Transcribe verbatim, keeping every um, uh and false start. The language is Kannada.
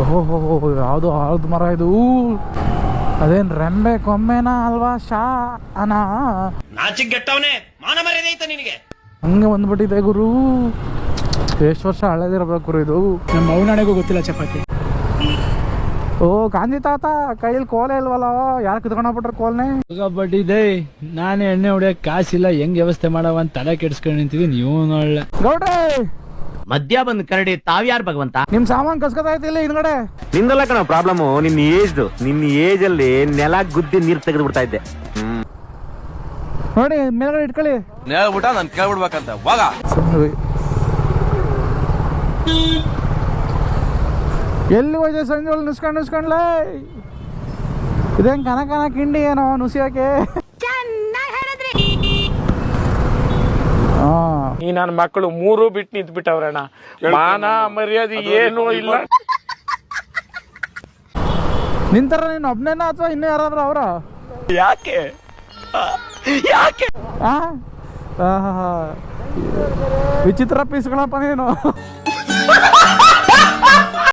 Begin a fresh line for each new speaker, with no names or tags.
ಓಹೋ ಯಾವುದು ಆಲದ ಮರ ಇದು? ಅದೇನು ರೆಂಬೆ ಕೊಂಬೆನಾ ಅಲ್ವಾ ಶಾ ಅನಾ?
ನಾಚಿಗೆಟ್ಟವನೇ, ಮಾನ ಮರ್ಯಾದೆ ಐತ ನಿನಗೆ?
ಹಂಗೆ ಬಂದ್ಬಿಟ್ಟಿದೆ ಗುರು. ಎಷ್ಟು ವರ್ಷ ಹಳೇದಿರ್ಬೇಕು ಗುರು ಇದು.
ನಮ್ಮ ಅವನಾಣೆಗೂ ಗೊತ್ತಿಲ್ಲ ಚಪಾತಿ.
ಓ ಗಾಂಧಿ ತಾತ ಕೈಯಲ್ಲಿ ಕೋಲೆ ಇಲ್ವಲ್ಲ, ಯಾರು ಕಿತ್ಕೊಂಡೋಗ್ಬಿಟ್ರೆ ಕೋಲ್ನೆ?
ಬಡ್ಡಿದೆ. ನಾನು ಎಣ್ಣೆ ಹೊಡಿಯಕ್ ಕಾಸಿಲ್ಲ, ಹೆಂಗ್ ವ್ಯವಸ್ಥೆ ಮಾಡವ ಅಂತ ತಲೆ ಕೆಡ್ಸ್ಕೊಂಡು ನಿಂತಿದ್ವಿ. ನೀವು ನೋಡ್ಲೆ
ಗೌಡ್ರೆ
ಮದ್ಯ ಬಂದ್ ಕರಡಿ ತಾವ್ಯಾರು ಭಗವಂತ?
ನಿಮ್ ಸಾಮಾನ್ ಕಸ್ಕೊತಾಯ್ತು ಇಲ್ಲಿ ಹಿಂದ್ಗಡೆ.
ನಿಂದಲ್ಲ ಕಣ ಪ್ರಾಬ್ಲಮ್, ನಿನ್ನ ಏಜ್ ನಿನ್ನ ಏಜ್ ಅಲ್ಲಿ ನೆಲ ಗುದ್ದಿ ನೀರ್ ತೆಗೆದು ಬಿಡ್ತಾ ಇದ್ದೆ.
ನೋಡಿ ಮೇಲ್ಗಡೆ ಇಟ್ಕೊಳ್ಳಿ.
ನೇಳ್ಬಿಟ್ಟ ನಾನು ಕೇಳ್ಬಿಡ್ಬೇಕಂತ ವಾಗ.
ಎಲ್ಲಿ ಹೋಯ್ದೆ ಸಂಜೆ ಒಳಗೆ ನುಸ್ಕೊಂಡು ನುಸ್ಕೊಂಡ್ಲೇ? ಇದೇನ್ ಕನ ಕನ ಕಿಂಡಿ ಏನೋ ನುಸಿಯೋಕೆ?
ಈ ನನ್ನ ಮಕ್ಕಳು ಮೂರು ಬಿಟ್ಟು ನಿಂತು ಬಿಟ್ಟವ್ರಣ್ಣ. ಮಾನ ಮರ್ಯಾದೆ ಏನೂ ಇಲ್ಲ.
ನಿಂತಾರ ನೀನು ಒಬ್ನೇನಾ ಅಥವಾ ಇನ್ನೂ ಯಾರಾದ್ರೂ ಅವರ?
ಯಾಕೆ ಯಾಕೆ
ವಿಚಿತ್ರ ಪೀಸ್ಗಳಪ್ಪ ನೀನು.